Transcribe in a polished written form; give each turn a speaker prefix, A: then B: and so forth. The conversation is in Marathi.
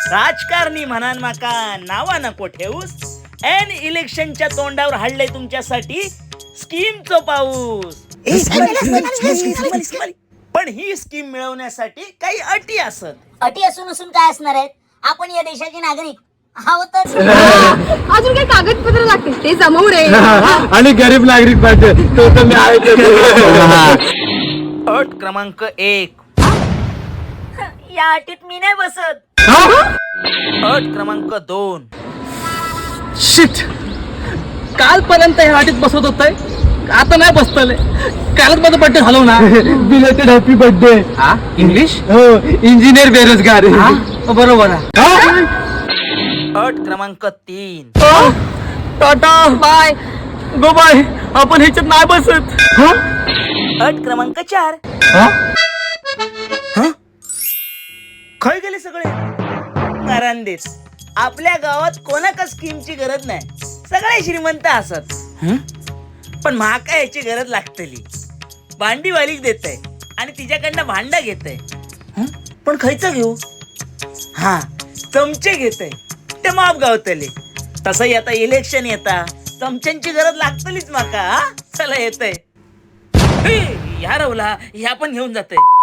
A: राजकारणी म्हणान माका नावा नको ठेवूस. एन इलेक्शनच्या तोंडावर हाडलंय तुमच्यासाठी स्कीमचं पाऊस. पण ही स्कीम मिळवण्यासाठी काही अटी असत.
B: अटी असून असून काय असणार आहेत? आपण या देशाचे नागरिक आहोतच.
C: अजून काही कागदपत्र लागतील ते जमवू रे.
D: आणि गरीब नागरिक पाहिजे तो तर मी आहे.
A: अट क्रमांक 1.
B: या अटीत मी नाही बसत.
A: अट क्रमांक 2.
E: शिट, कालपर्यंत ह्या वाटीत बसवत होतय, आता नाही बसतले. कालच माझा बर्थडे झालो ना.
D: Belated happy birthday.
E: इंग्लिश
D: हो, इंजिनियर बेरोजगार.
E: बरोबर आहे.
A: अट क्रमांक 3.
E: टाटा बाय गो बाय, आपण ह्याच्यात नाही बसत.
A: अट क्रमांक 4. खय गेले सगळे नारांदेच. आपल्या गावात कोणाका स्कीमची गरज नाही, सगळे श्रीमंत असत. पण महाका याची गरज लागतली. भांडीवालीक देत आहे आणि तिच्याकडनं भांडा घेत आहे. पण खयचं घेऊ? हा, चमचे घेत आहे, ते माप गावतले. तसंही आता इलेक्शन येता, चमच्यांची गरज लागतलीच माका. चला येत आहे. ह्या रवला ह्या पण घेऊन जाते.